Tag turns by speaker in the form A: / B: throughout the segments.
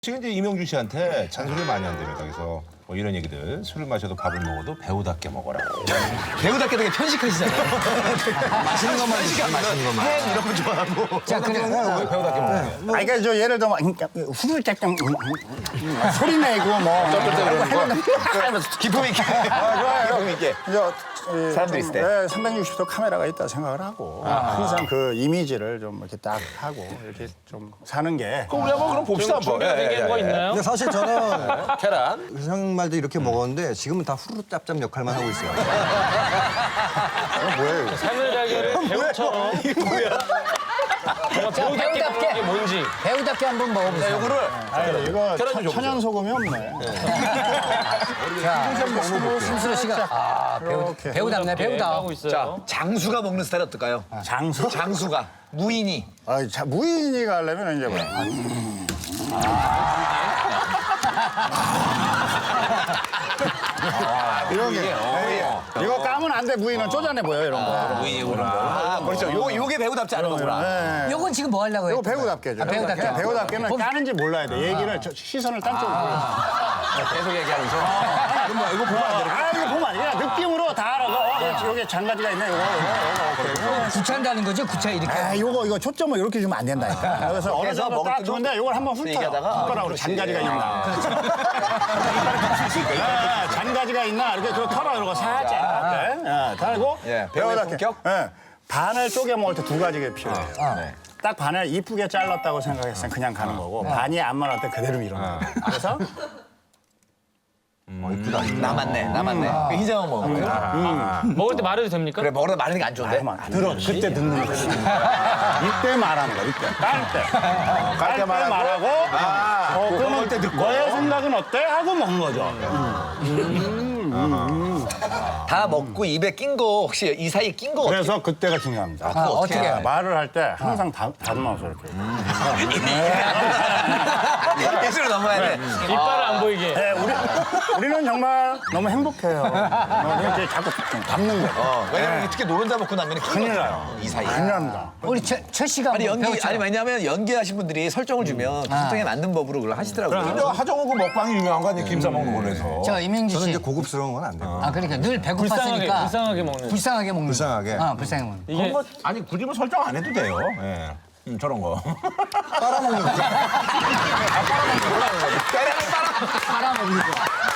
A: 지금 이제 이명주 씨한테 잔소리를 많이 한답니다. 그래서 뭐 이런 얘기들, 술을 마셔도 밥을 먹어도 배우답게 먹어라.
B: 배우답게 되게 편식하시잖아요. 맛있는 것만 드시고 맛있는 것만.
A: 햄 이런 거 좋아하고.
B: 자, 그래.
A: 왜 배우답게 먹어요?
C: 그러니까 저 예를 들면 후들짝짝 소리 내고 뭐
B: 기품 있게. 기품 있게. 사람들이 있을 때.
C: 360도 카메라가 있다 생각을 하고 항상 그 이미지를 좀 이렇게 딱 하고 이렇게 좀 사는 게
A: 그럼 우리 한번 그럼 봅시다 한번.
D: 준비된 거 있나요?
E: 근데 사실 저는
A: 계란.
E: 의상 말도 이렇게 먹었는데 지금은 다 후루룩 짭짭 역할만 하고 있어요.
C: 뭐예요?
D: 삶의 달걀을 배우처럼. 정말 배우답게 먹는 게 뭔지.
B: 배우답게 한번 먹어보세요.
A: 요거를
C: 아니, 이거
A: 계란 좀
C: 천연 소금이 없네.
B: 심수로 씨가 배우답네, 배우답.
D: 하고 있어요.
B: 장수가 먹는 스타일 어떨까요?
C: 장수?
B: 장수가. 무인이.
C: 무인이가 하려면 이제 뭐 이런 게 이거 까면 안 돼. 무인은 쪼잔해 보여 이런 거.
B: 그렇죠. 요게 배우답지 않은 거구나.
C: 네.
B: 요건 지금 뭐 하려고 해요?
C: 이거 배우답게죠.
B: 배우답게.
C: 배우답게는 까는지 몰라야 돼. 얘기를 시선을 딴 쪽으로.
B: 계속 얘기하면서.
A: 이거 보면 안 되나?
C: 이거 보면 안 돼. 그냥 느낌으로 다 알아. 여기 장가지가 있네. 이거.
B: 구차한다는 거죠? 구차 이렇게.
C: 이거 초점을 이렇게 주면 안 된다니까. 그래서 어느
B: 그래서
C: 정도
B: 먹을
C: 딱
B: 때도
C: 주는데 이걸 한번 훑어요.
B: 얘기하다가
C: 손가락으로 장가지가 있나. 장가지가 있나 이렇게 그 털어 이러고 살짝 달고
B: 배우의 품격?
C: 반을 쪼개 먹을 때 두 가지가 필요해요. 딱 반을 이쁘게 잘랐다고 생각했으면 그냥 가는 거고 반이 안 말할 때 그대로 밀어넣어요. 그래서
B: 남았네. 희정은 먹어.
D: 먹을 때 말해도 됩니까?
B: 그래, 먹으다 마르는 게 안 좋은데?
C: 들어 그때 듣는 거지. 이때 말하는 거야. 이때 깔 때 말하고 그러면 너의 생각은 어때? 하고 먹는 거죠.
B: 다 먹고 입에 낀 거 혹시 이 사이에 낀 거
C: 그래서 그때가 중요합니다.
B: 어떻게 해요?
C: 말을 할 때 항상 다듬어서 이렇게.
B: 예술로 넘어야 돼.
D: 이빨을 안 보이게.
C: 네, 우리는 정말 너무 행복해요. 이렇게 자꾸 담는 거.
B: 왜냐면 특히 노른자 먹고 나면
C: 큰일 나요.
B: 이 사이에.
C: 큰일 납니다.
B: 우리 최 씨가 아니 왜냐면 연기하신 분들이 설정을 주면 그 설정에 맞는 법으로 그걸 하시더라고요.
A: 하정우 그 먹방이 유명한 거 아니에요? 김 싸먹는 걸로 해서.
F: 저 이명주
E: 저는
F: 씨.
E: 이제 고급스러운 건 안 돼요.
F: 그러니까 늘
D: 불쌍하게
F: 배고팠으니까
D: 먹는.
F: 불쌍하게 먹는.
E: 불쌍하게.
F: 불쌍하게 먹는.
D: 이게
A: 뭐, 아니 굳이 뭐 설정 안 해도 돼요. 예. 저런 거.
E: 빨아먹는 거.
F: 빨아먹는 거.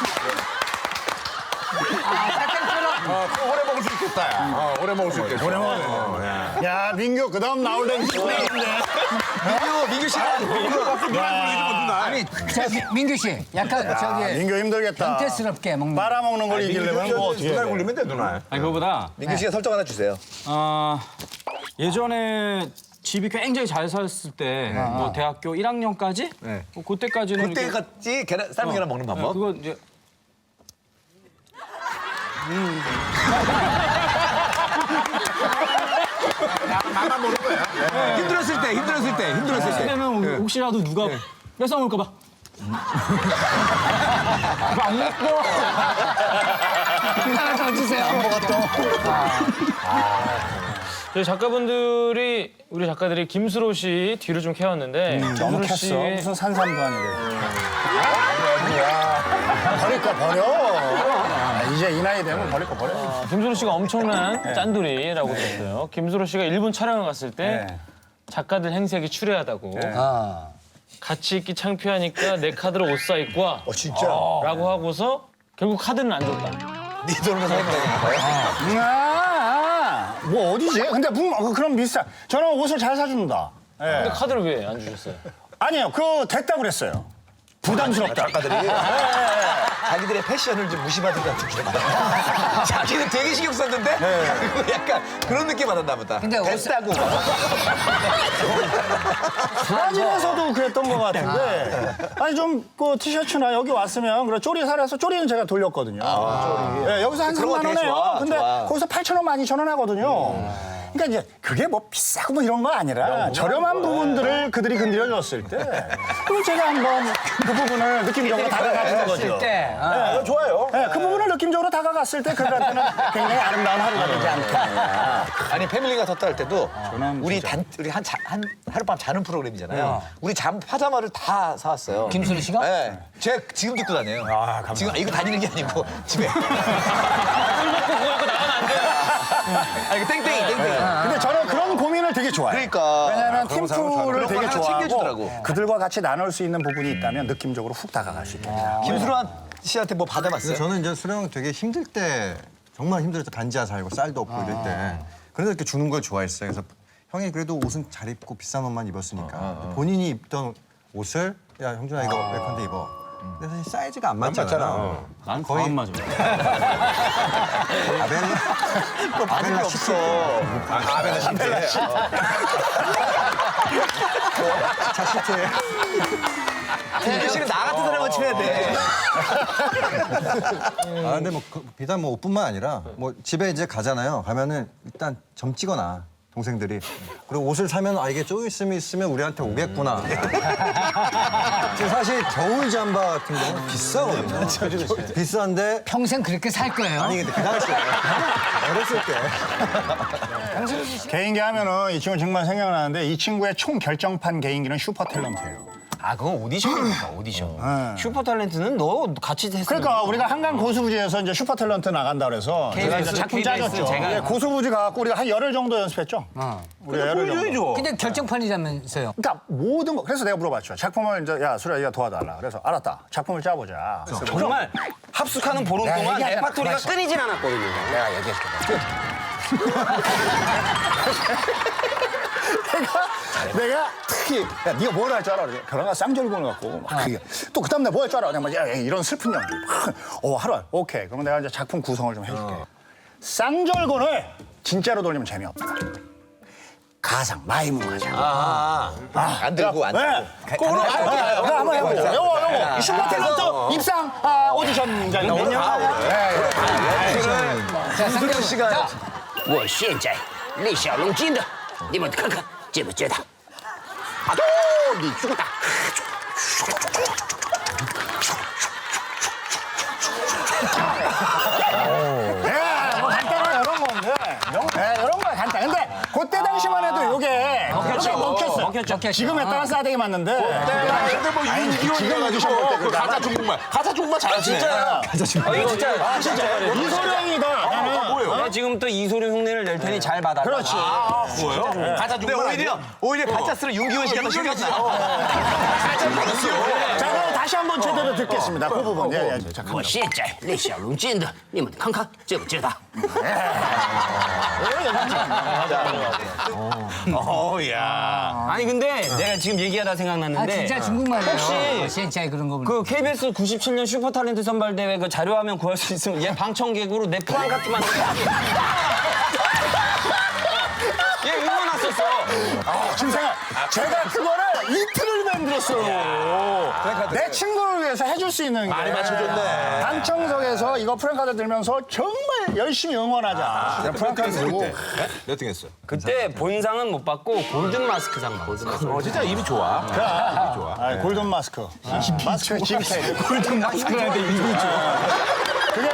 A: 오래 먹을 수 있겠다. 오래 먹을 수 있겠다. 오래 먹을
C: 야, 민규, 그 다음 나올 때는 신나는데.
B: 민규 씨
F: 아니, 민규 씨, 약간 저기
C: 민규 힘들겠다.
F: 변태스럽게 먹는.
C: 빨아먹는 걸 이기려면 뭐 어떻게 해야
A: 눈알
C: 돼?
A: 굴리면 돼, 눈알.
D: 아니 그거보다
B: 민규 씨가 설정 하나 주세요.
G: 예전에 집이 굉장히 잘 살았을 때, 뭐 대학교 1학년까지? 뭐 그때까지는 이렇게-
B: 그때같이 삶은 계란 먹는 방법.
G: 그거 이제
A: 나만 모르는 거야.
B: 힘들었을 때.
G: 그때는 혹시라도 누가 뺏어먹을까 봐.
F: 하나 더 주세요.
D: 저희 작가분들이 우리 작가들이 김수로 씨 뒤를 좀 캐왔는데
C: 너무
D: 김수로
C: 캤어.
D: 씨의
C: 무슨 산삼도 아니고. 버릴 거 버려. 이제 이 나이 되면 버릴 거 버려.
D: 김수로 씨가 엄청난 짠돌이라고 들었어요. 김수로 씨가 일본 촬영을 갔을 때 작가들 행색이 추레하다고 같이 있기 창피하니까 내 카드로 옷 사 입고 와
C: 진짜?
D: 라고 하고서 결국 카드는 안 줬다.
B: 네 돈으로 사겠다.
C: 뭐 어디지? 근데 그럼 비슷한. 저는 옷을 잘 사준다.
D: 근데 카드를 왜 안 주셨어요?
C: 아니에요. 그거 됐다 그랬어요. 부담스럽다.
B: 작가들이 자기들의 패션을 좀 무시받은 것 같은 기분. 자기는 되게 신경 썼는데 그리고 약간 그런 느낌 받았나 보다.
F: 근데
B: 됐다고.
C: 브라질에서도 그랬던 것 같은데. 아니 좀 그 티셔츠나 여기 왔으면 그래 쪼리 사려서 쪼리는 제가 돌렸거든요. 쪼리. 예, 여기서 한
B: 그런 거
C: 3만
B: 되게
C: 원에요.
B: 좋아,
C: 근데
B: 좋아.
C: 거기서 8,000원, 12,000원 하거든요. 그러니까 이제 그게 뭐 비싸고 뭐 이런 거 아니라 저렴한 부분들을 그들이 건드려줬을 때 그럼 제가 한번 그 부분을 느낌적으로 다가가는 거죠.
F: 때.
B: 좋아요.
C: 네, 그 부분을 느낌적으로 다가갔을 때 그들한테는 굉장히 아름다운 하루가 되지 않겠느냐.
B: 아니 패밀리가 섰다 할 때도
C: 저는
B: 우리
C: 진짜-
B: 우리 한 하룻밤 자는 프로그램이잖아요. 우리 파자마를 다 사왔어요.
F: 김수리 씨가?
B: 네. 제가 지금 듣고 다녀요. 지금 이거 다니는 게 아니고 집에.
D: 술 먹고 그거 입고 나가면 안 돼요.
B: 아 이거 땡땡이.
C: 근데 저는 그런 고민을 되게 좋아해요.
B: 그러니까.
C: 왜냐하면
B: 그런 사람을
C: 팀플을
B: 좋아하는
C: 되게
B: 걸 하나
C: 좋아하고
B: 챙겨주더라고.
C: 그들과 같이 나눌 수 있는 부분이 있다면 느낌적으로 훅 다가갈 수 있다.
B: 김수란 씨한테 뭐 받아봤어요?
E: 근데 저는 이제 수령 되게 힘들 때 정말 힘들 때 반지하 살고 쌀도 없고 이럴 때 그래서 이렇게 주는 걸 좋아했어요. 그래서 형이 그래도 옷은 잘 입고 비싼 옷만 입었으니까 본인이 입던 옷을 야 형준아 이거 웨컨데 입어. 근데 사실 사이즈가 안 맞잖아.
G: 난 거의 안 맞아.
E: 아벨라
B: 또 받을 게 없어.
A: 아베나 신대.
E: 자시트에
B: 김준 씨는 나 같은 사람만 친해야 돼.
E: 아 근데 뭐 비단 뭐 옷뿐만 아니라 뭐 집에 이제 가잖아요. 가면은 일단 점 찍어놔 동생들이. 그리고 옷을 사면 아 이게 조금 있으면 우리한테 오겠구나. 지금 사실 겨울 잠바 같은 경우는 비싸거든요. 비싼데
F: 평생 그렇게 살 거예요.
E: 아니 근데 그 당시에 어렸을 때
C: 개인기 하면은 이 친구 정말 생각나는데 이 친구의 총 결정판 개인기는 슈퍼 탤런트예요.
G: 아 그건 오디션이니까 오디션. 슈퍼 탤런트는 너 같이 했으면.
C: 그러니까 우리가 한강 고수부지에서 이제 슈퍼 탤런트 나간다 그래서 제가 이제 작품
G: KBS
C: 짜줬죠.
G: 제가-
C: 예, 고수부지 가갖고 우리가 한 열흘 정도 연습했죠. 우리가 열흘 정도.
F: 근데 결정판이자면서요.
C: 그러니까 모든 거 그래서 내가 물어봤죠. 작품을 이제 야 수리야 이거 도와달라. 그래서 알았다. 작품을 짜보자.
G: 정말 합숙하는 보름
C: 내가
G: 동안
C: 얘기하잖아.
G: 레파토리가
C: 가만있어.
G: 끊이진 않았거든요.
C: 내가 얘기해줄게. 내가 특히 야 네가 뭘 할 줄 알아? 그래. 그러나 쌍절곤을 갖고 막 그게 또 그다음 날 뭐 할 줄 알아? 그냥 막 야, 이런 슬픈 연기. 하루 오케이. 그러면 내가 이제 작품 구성을 좀 해줄게. 쌍절곤을 진짜로 돌리면 재미없다. 가상 마이무 가자.
B: 안 들고 안 들고.
C: 네. 그거 한번 해보자. 요거 슈퍼 탤런트 입상 오디션장 나오는
F: 자, 상대로
B: 씨가
F: 자,
H: 我现在李小龙筋的，你们看看觉不觉得？啊，你觉得？
C: 네, 뭐 간단한 이런 건데. 이런 거야 간단. 근데 그때 당시만 해도 요게 먹혔어. 지금 했다가 싸대기 맞는데.
A: 근데 뭐 윤기원 가지고 가자 중국말 잘하시네.
B: 이거 진짜.
C: 이소룡이다. 나는.
G: 내가 지금 또 이소룡 흉내를 낼 테니 잘 받아.
C: 그렇지.
B: 가자 근데 오히려 가짜스는 윤기원 씨가 더 신경 써.
C: 자, 그럼 다시 한번 제대로 듣겠습니다. 그 부분. 예, 예.
H: 我现在李小龙筋的，你们看看觉不觉得？
G: 아니 근데 내가 지금 얘기하다
F: 아
G: 생각났는데
F: 진짜 중국말이에요.
G: 혹시
F: 진짜 그런 거 보면.
G: 그 KBS 97년 슈퍼 탤런트 선발 대회 그 자료화면 구할 수 있으면 얘 방청객으로 내 프랑카트 만들어. 얘 응원 왔었어.
C: 김생아, 제가 그거를 이틀을 만들었어요. 내 친구를 위해서 해줄 수 있는 게. 많이 맞춰줬네. 방청석에서 이거 프랭카드 들면서 정말 열심히 응원하자. 프랭카드 들고.
A: 몇 등 했어?
G: 그때 본상은 못 받고 골든 마스크상 받았어.
A: 진짜 입이 좋아.
C: 아, 골든 마스크. 마스크 GK. 골든 마스크라는데 이름이 좋아. 그게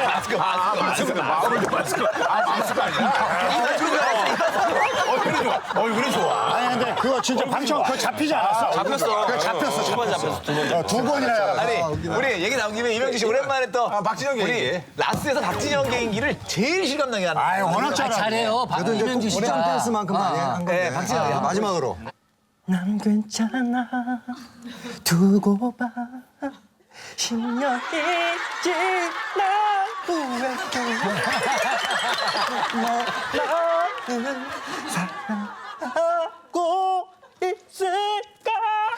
A: 얼굴이 좋아.
C: 아니 근데 그거 진짜 방청 그거 잡히지 않았어.
A: 잡혔어.
C: 그거 잡혔어.
G: 두 번 잡혔어. 두 번 잡혔어.
C: 두 번이나.
B: 아니 우리 얘기 나온 김에 이명주 씨 오랜만에 또
A: 박진영
B: 우리
A: 개인기.
B: 라스에서 박진영 개인기를 제일 실감나게 하는.
C: 아유 워낙
F: 아,
C: 잘해.
F: 잘해요.
E: 그래도 이제
F: 이명주
E: 오래
F: 씨가.
E: 댄스만큼 많이 한 건데
B: 네, 박진영.
E: 마지막으로
I: 난 괜찮아 두고 봐 10년이 지나고 너는 사랑하고 있을까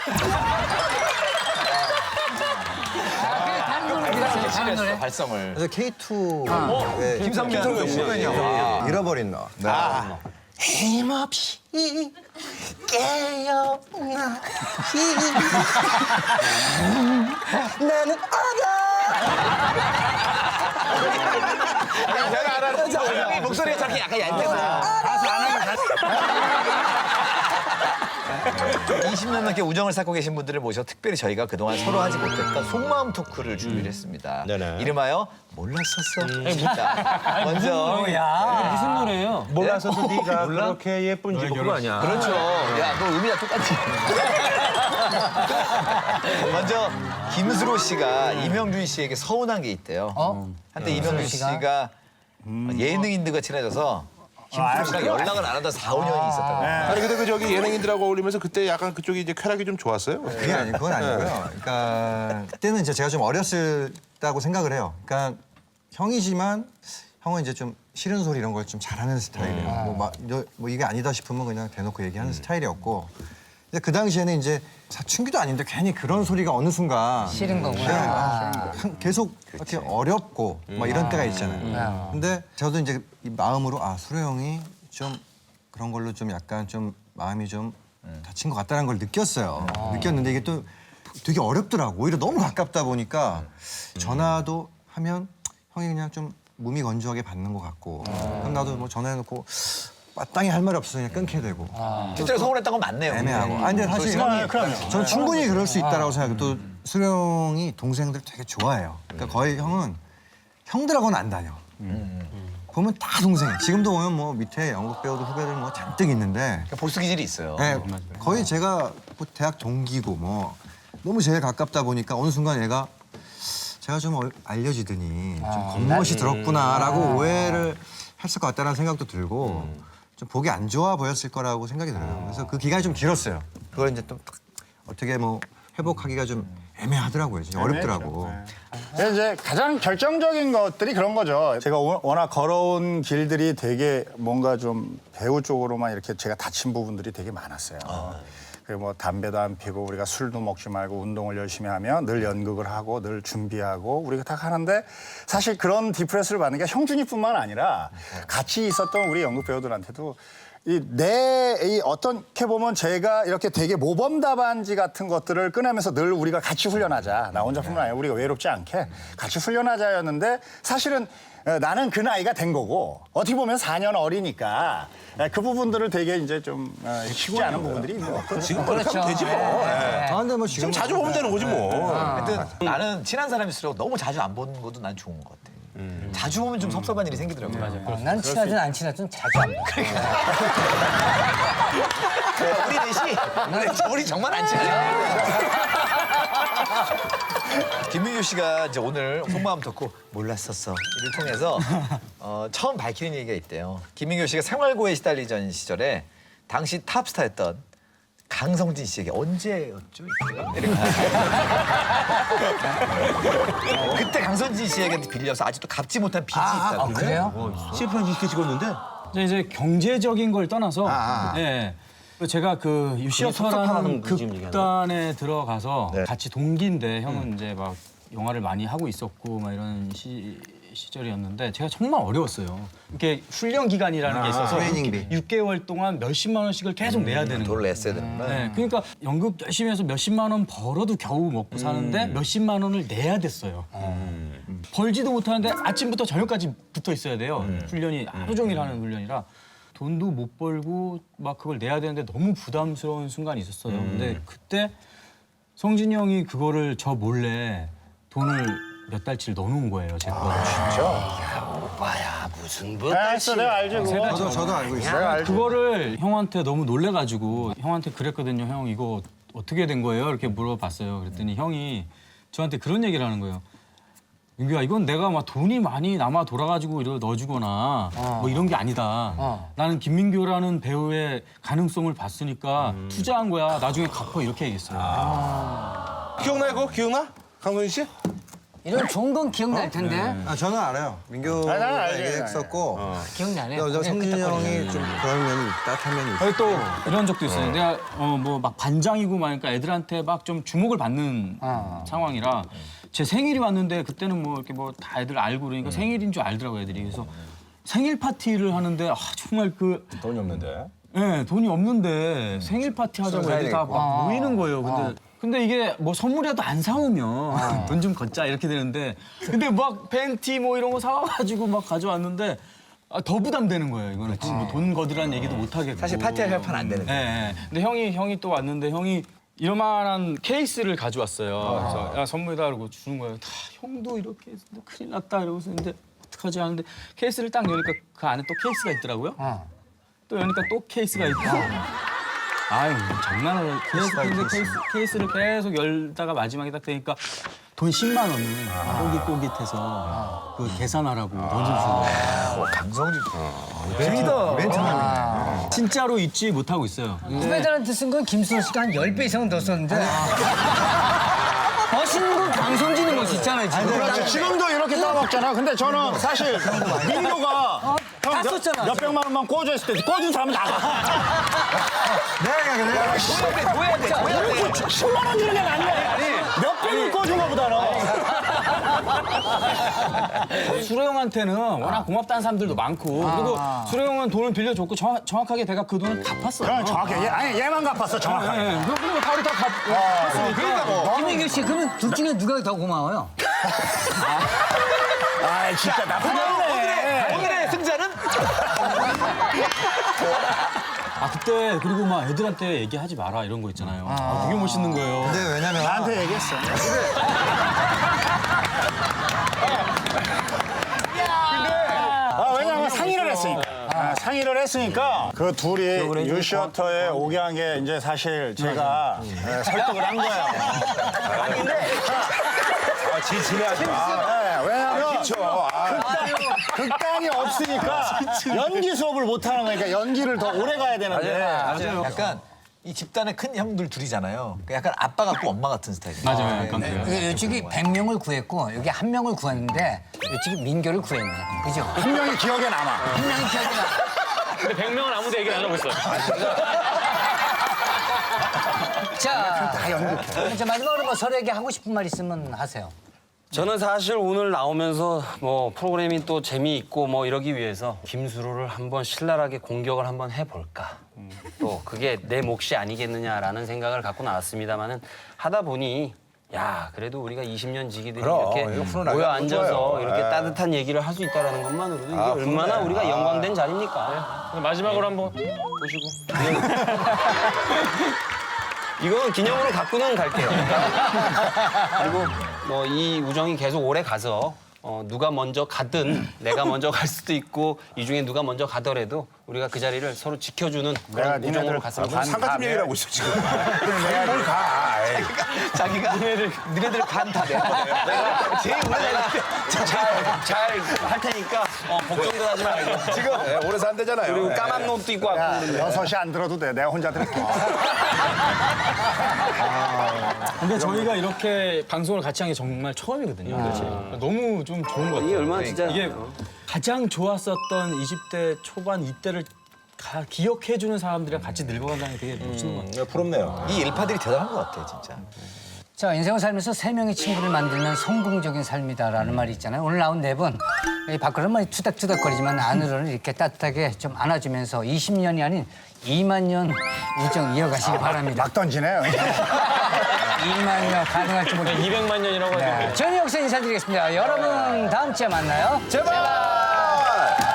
F: 다른 노래 들었어요. 다른 노래.
B: 발성을.
E: 그래서 K2의
B: 김성면
E: 후배냐 잃어버린 너.
I: 힘없이 깨어나 나는
B: 목소리가 저렇게 약간 얇대서.
C: 가수 안 하기
B: 20년 넘게 우정을 쌓고 계신 분들을 모셔 특별히 저희가 그동안 서로 하지 못했던 속마음 토크를 준비를 했습니다.
A: 네네.
B: 이름하여 몰랐었어. 자, 먼저
D: 무슨 노래예요?
A: 몰라서도 네가 그렇게 예쁜지 뭐 그거 아니야.
B: 그렇죠. 야, 너 의미가 똑같지. 먼저 김수로 씨가 이명준 씨에게 서운한 게 있대요. 한때 이명준 씨가 예능인들과 친해져서 김수로 씨랑 연락을 안 하다 4, 5년이 있었다고.
A: 아니 근데 그 저기 예능인들하고 어울리면서 그때 약간 그쪽이 이제 쾌락이 좀 좋았어요?
E: 그건 아니고요. 그러니까 그때는 이제 제가 좀 어렸다고 생각을 해요. 그러니까 형이지만 형은 이제 좀 싫은 소리 이런 걸 좀 잘하는 스타일이에요. 뭐 이게 아니다 싶으면 그냥 대놓고 얘기하는 스타일이었고. 근데 그 당시에는 이제 사춘기도 아닌데 괜히 그런 소리가 어느 순간
F: 싫은 거구나.
E: 계속 이렇게 어렵고 막 이런 때가 있잖아요. 근데 저도 이제 이 마음으로 수로 형이 좀 그런 걸로 좀 약간 좀 마음이 좀 다친 것 같다는 걸 느꼈어요. 느꼈는데 이게 또 되게 어렵더라고. 오히려 너무 가깝다 보니까 전화도 하면 형이 그냥 좀 몸이 건조하게 받는 것 같고 그럼 나도 뭐 전화해놓고 마땅히 할 말이 없어서 그냥 끊게 되고
B: 실제로 서운했던 건 맞네요.
E: 애매하고. 근데 사실 저는 충분히 그럴 수 있다라고 생각해요. 또 수로 형이 동생들 되게 좋아해요. 그러니까 거의 형은 형들하고는 안 다녀. 보면 다 동생이에요. 지금도 보면 뭐 밑에 연극 배우들 후배들 뭐 잔뜩 있는데
B: 보스 기질이 있어요.
E: 네, 거의 제가 뭐 대학 동기고 뭐 너무 제일 가깝다 보니까 어느 순간 얘가 제가 좀 알려지더니 좀 겉멋이 들었구나라고 오해를 했을 것 같다는 생각도 들고 좀 보기 안 좋아 보였을 거라고 생각이 들어요. 그래서 그 기간이 좀 길었어요. 그걸 이제 또 어떻게 뭐 회복하기가 좀 애매하더라고요. 진짜 어렵더라고.
C: 근데 이제 가장 결정적인 것들이 그런 거죠. 제가 워낙 걸어온 길들이 되게 뭔가 좀 배우 쪽으로만 이렇게 제가 다친 부분들이 되게 많았어요. 그리고 뭐 담배도 안 피고 우리가 술도 먹지 말고 운동을 열심히 하면 늘 연극을 하고 늘 준비하고 우리가 다 하는데 사실 그런 디프레스를 받는 게 형준이뿐만 아니라 같이 있었던 우리 연극 배우들한테도 이 어떻게 보면 제가 이렇게 되게 모범 답안지 같은 것들을 꺼내면서 늘 우리가 같이 훈련하자. 나 혼자뿐만 아니라 우리가 외롭지 않게 같이 훈련하자였는데 사실은 나는 그 나이가 된 거고 어떻게 보면 4년 어리니까 그 부분들을 되게 이제 좀 쉽지 않은 부분들이 있는 것 같아요.
A: 지금 그렇게 하면 되지 뭐.
E: 근데 뭐 지금
A: 자주 보면 되는 거지 뭐.
B: 하여튼 나는 친한 사람일수록 너무 자주 안 보는 것도 난 좋은 것 같아. 자주 보면 좀 섭섭한 일이 생기더라고요. 맞아요.
F: 난 친하든 안 친하든 자주 안 봐.
B: 우리 넷이 우리 정말 안 친해요. 김민규 씨가 이제 오늘 속마음 덕후 몰랐었어를 통해서 처음 밝히는 얘기가 있대요. 김민규 씨가 생활고에 시달리던 시절에 당시 탑스타였던 강성진 씨에게 언제였죠? 그때 강성진 씨에게 빌려서 아직도 갚지 못한 빚이 있다고.
F: 그래요?
A: CF한 이렇게 찍었는데
G: 이제 경제적인 걸 떠나서 예. 제가 그 유시어터라는
D: 그 지금 얘기하는
G: 극단에 들어가서 같이 동기인데 형은 이제 막 영화를 많이 하고 있었고 막 이런 시절이었는데 제가 정말 어려웠어요. 이렇게 훈련 기간이라는 게 있어서
E: 트레이닝비.
G: 6개월 동안 몇십만 원씩을 계속 내야 되는
B: 돈을
G: 거예요.
B: 냈어야 되는구나.
G: 네, 그러니까 연극 열심히 해서 몇십만 원 벌어도 겨우 먹고 사는데 몇십만 원을 내야 됐어요. 벌지도 못하는데 아침부터 저녁까지 붙어 있어야 돼요. 훈련이 하루 종일 하는 훈련이라 돈도 못 벌고 막 그걸 내야 되는데 너무 부담스러운 순간이 있었어요. 근데 그때 성진이 형이 그거를 저 몰래 돈을 몇 달치를 넣어놓은 거예요, 제 거를.
H: 오빠야 무슨 뭐
C: 알았어, 내가 알지 그거.
E: 저도 알고 있어요.
G: 그거를 형한테 너무 놀래가지고 형한테 그랬거든요. 형 이거 어떻게 된 거예요? 이렇게 물어봤어요. 그랬더니 형이 저한테 그런 얘기를 하는 거예요. 민규야 이건 내가 막 돈이 많이 남아 돌아가지고 이러 넣어주거나 뭐 이런 게 아니다. 나는 김민규라는 배우의 가능성을 봤으니까 투자한 거야. 나중에 갚어 이렇게 얘기했어요.
A: 기억나요 그거? 기억나? 강선희 씨?
F: 이런 좋은 건 기억날 텐데.
E: 저는 알아요. 민규가
C: 나는 알지.
E: 얘기했었고
F: 기억나네.
E: 저 성진이 형이 좀 그런 면이 따뜻한 면이 있어요.
G: 아니, 또 이런 적도 있어요. 내가 뭐 막 반장이고 막 그러니까 애들한테 막 좀 주목을 받는 상황이라 제 생일이 왔는데 그때는 뭐 이렇게 뭐 다 애들 알고 그러니까 생일인 줄 알더라고 애들이. 그래서 생일 파티를 하는데 정말 그
A: 돈이 없는데.
G: 네, 돈이 없는데 생일 파티 하자고 애들 다 막 모이는 거예요. 근데 이게 뭐 선물이라도 안 사오면 돈 좀 걷자 이렇게 되는데 근데 막 팬티 뭐 이런 거 사와가지고 막 가져왔는데 더 부담되는 거예요. 이거는 지금 뭐돈 거두라는 얘기도 못 하겠고.
B: 사실 파티할 협파는 안 되는 거예요.
G: 네. 근데 형이 또 왔는데 형이 이만한 케이스를 가져왔어요. 그래서 야 선물이다 그러고 주는 거예요. 다 형도 이렇게 해서 큰일 났다 이러고서 근데 어떡하지 하는데 케이스를 딱 여니까 그 안에 또 케이스가 있더라고요. 또 여니까 또 케이스가 있고. 아유 장난을 케이스를 계속 열다가 마지막에 딱 되니까 돈 10만 원을 꼬깃꼬깃해서 그 계산하라고 던져주는 거예요.
B: 강성진.
G: 진짜로 잊지 못하고 있어요.
F: 후배들한테 쓴 건 김수호 씨가 한 10배 이상은 더 썼는데. 멋있는 건 강성진이 멋있잖아요, 지금.
C: 그렇지. 지금도 이렇게 따먹잖아. 근데 저는 사실 민도가
F: 다 썼잖아.
C: 몇 백만 원만 꽂아있을 때 꽂은 사람은 나가.
B: 뭐야 돼.
C: 10만 원 주는 게 낫네. 몇 백을 꽂은 거보다는.
G: 수로 형한테는 워낙 고맙다는 사람들도 많고 그리고 수로 형은 돈을 빌려줬고 정확하게 내가 그 돈을 갚았어요.
C: 그럼 정확해. 아니 얘만 갚았어 정확하게.
G: 네, 그리고 바로 다 갚았으니까.
F: 김민규 씨, 그러면 둘 중에 누가 더 고마워요?
C: 아 진짜 나쁜 놈이네.
B: 오늘의 승자는
G: 그때 그리고 막 애들한테 얘기하지 마라 이런 거 있잖아요. 되게 멋있는 거예요.
E: 근데 왜냐면
C: 나한테 얘기했어. 왜냐면 상의를 했으니까. 상의를 했으니까 그 둘이 유시어터에 오게 한 게 이제 사실 제가 설득을 한 거예요.
A: 진지하지 마.
C: 왜냐면
A: 그렇죠.
C: 극단이 없으니까 연기 수업을 못 하는 거니까 연기를 더 오래 가야 되는데.
B: 약간 이 집단의 큰 형들 둘이잖아요. 약간 아빠 같고 엄마 같은 스타일이에요.
G: 맞아요. 약간 그래요.
F: 이쪽이 100명을 구했고 여기 1명을 구했는데 이쪽이 민교를 구했네. 그죠?
C: 한 명이 기억에 남아.
F: 한 명이 기억이 나.
D: 근데 100명은 아무도 얘기를 안 하고 있어.
F: 자, 이제 마지막으로 뭐 서로에게 하고 싶은 말 있으면 하세요.
I: 저는 사실 오늘 나오면서 뭐 프로그램이 또 재미있고 뭐 이러기 위해서 김수로를 한번 신랄하게 공격을 한번 해볼까. 또 그게 내 몫이 아니겠느냐라는 생각을 갖고 나왔습니다만은 하다 보니 야 그래도 우리가 20년 지기들이
A: 그럼,
I: 이렇게
A: 이거 프로 나가면
I: 모여 앉아서
A: 좋아요.
I: 이렇게
A: 예.
I: 따뜻한 얘기를 할 수 있다라는 것만으로도 이게 얼마나
A: 그러네.
I: 우리가 영광된 자리입니까?
D: 마지막으로 한번 보시고.
I: 이건 기념으로 갖고는 갈게요. 그리고 뭐 이 우정이 계속 오래 가서 누가 먼저 가든 내가 먼저 갈 수도 있고 이 중에 누가 먼저 가더라도 우리가 그 자리를 서로 지켜주는 그런 우정으로 갔으면 좋겠습니다.
A: 상가집 얘기를 하고 있어 지금. 뭘 가.
B: 자기가 니네들 간 다 내가 제일 오래
I: 잘 할 테니까 걱정도 하지 말고.
A: 지금 오래 산대잖아요.
I: 그리고 까만 옷도 입고 왔고 그러는데.
C: 6시 안 들어도 돼. 내가 혼자 들을게.
G: 근데 저희가 이렇게 방송을 같이 한 게 정말 처음이거든요. 너무 좀 좋은 것 같아요.
I: 이게 얼마나 진짜
G: 이게 가장 좋았었던 20대 초반 이때를 기억해주는 사람들이랑 같이 늙어간다는 게 되게 멋있는 것 같아요.
A: 부럽네요.
B: 이 일파들이 대단한 것 같아 진짜.
F: 자, 인생을 살면서 3명의 친구를 만들면 성공적인 삶이다라는 말이 있잖아요. 오늘 나온 4분, 밖으로는 많이 투닥투닥거리지만 안으로는 이렇게 따뜻하게 좀 안아주면서 20년이 아닌 2만 년 우정 이어가시기 바랍니다.
C: 막 던지네요.
F: 2만 년 가능할지 모르겠습니다.
D: 200만 년이라고 하죠.
F: 저는 여기서 인사드리겠습니다. 여러분 다음 주에 만나요.
A: 제발.